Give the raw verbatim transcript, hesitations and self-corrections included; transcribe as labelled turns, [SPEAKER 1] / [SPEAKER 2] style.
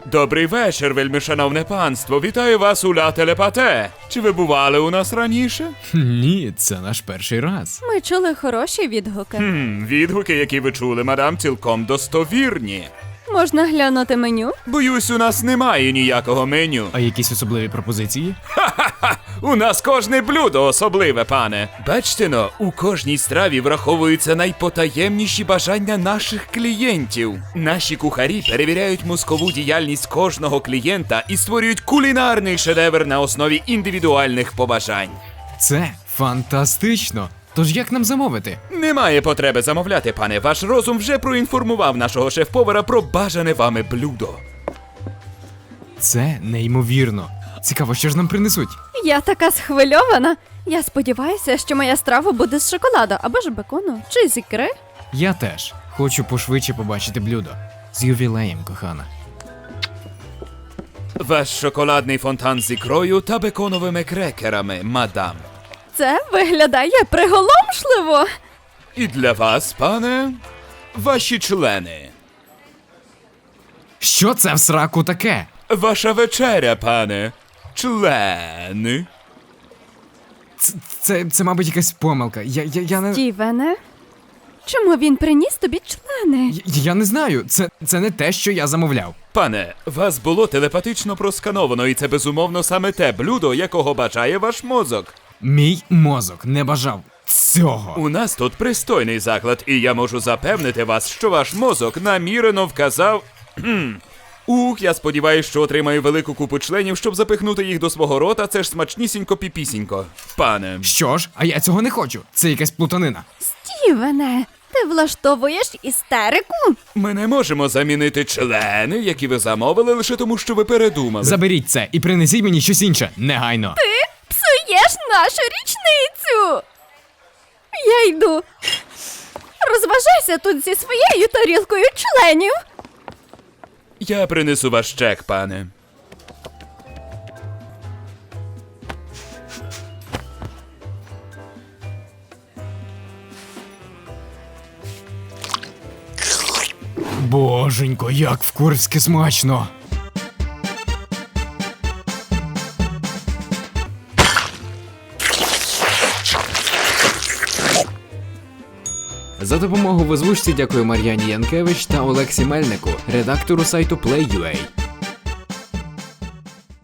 [SPEAKER 1] Добрий вечір, вельмишановне панство. Вітаю вас у Ля Телепате. Чи ви бували у нас раніше?
[SPEAKER 2] Ні, це наш перший раз.
[SPEAKER 3] Ми чули хороші відгуки.
[SPEAKER 1] Хм, відгуки, які ви чули, мадам, цілком достовірні.
[SPEAKER 3] Можна глянути меню?
[SPEAKER 1] Боюсь, у нас немає ніякого меню.
[SPEAKER 2] А якісь особливі пропозиції?
[SPEAKER 1] Ха-ха! У нас кожне блюдо особливе, пане. Бачте но, у кожній страві враховуються найпотаємніші бажання наших клієнтів. Наші кухарі перевіряють мозкову діяльність кожного клієнта і створюють кулінарний шедевр на основі індивідуальних побажань.
[SPEAKER 2] Це фантастично! Тож як нам замовити?
[SPEAKER 1] Немає потреби замовляти, пане. Ваш розум вже проінформував нашого шеф-повара про бажане вами блюдо.
[SPEAKER 2] Це неймовірно. Цікаво, що ж нам принесуть?
[SPEAKER 3] Я така схвильована. Я сподіваюся, що моя страва буде з шоколаду або ж бекону, чи з ікри.
[SPEAKER 2] Я теж. Хочу пошвидше побачити блюдо. З ювілеєм, кохана.
[SPEAKER 1] Ваш шоколадний фонтан з ікрою та беконовими крекерами, мадам.
[SPEAKER 3] Це виглядає приголомшливо.
[SPEAKER 1] І для вас, пане, ваші члени.
[SPEAKER 2] Що це в сраку таке?
[SPEAKER 1] Ваша вечеря, пане. Члени.
[SPEAKER 2] Це, це, це мабуть, якась помилка. Я, я, я не...
[SPEAKER 3] Стівене, чому він приніс тобі члени?
[SPEAKER 2] Я, я не знаю. Це, це не те, що я замовляв.
[SPEAKER 1] Пане, вас було телепатично проскановано, і це безумовно саме те блюдо, якого бажає ваш мозок.
[SPEAKER 2] Мій мозок не бажав цього.
[SPEAKER 1] У нас тут пристойний заклад, і я можу запевнити вас, що ваш мозок намірено вказав... Кхм. Ух, я сподіваюся, що отримаю велику купу членів, щоб запихнути їх до свого рота, це ж смачнісінько-піпісінько. Пане.
[SPEAKER 2] Що ж? А я цього не хочу. Це якась плутанина.
[SPEAKER 3] Стівене, ти влаштовуєш істерику?
[SPEAKER 1] Ми не можемо замінити члени, які ви замовили, лише тому, що ви передумали.
[SPEAKER 2] Заберіть це і принесіть мені щось інше. Негайно.
[SPEAKER 3] Псуєш нашу річницю! Я йду. Розважайся тут зі своєю тарілкою членів.
[SPEAKER 1] Я принесу ваш чек, пане.
[SPEAKER 2] Боженько, як в Курську смачно. За допомогу в озвучці дякую Мар'яні Янкевич та Олексі Мельнику, редактору сайту Play.ua.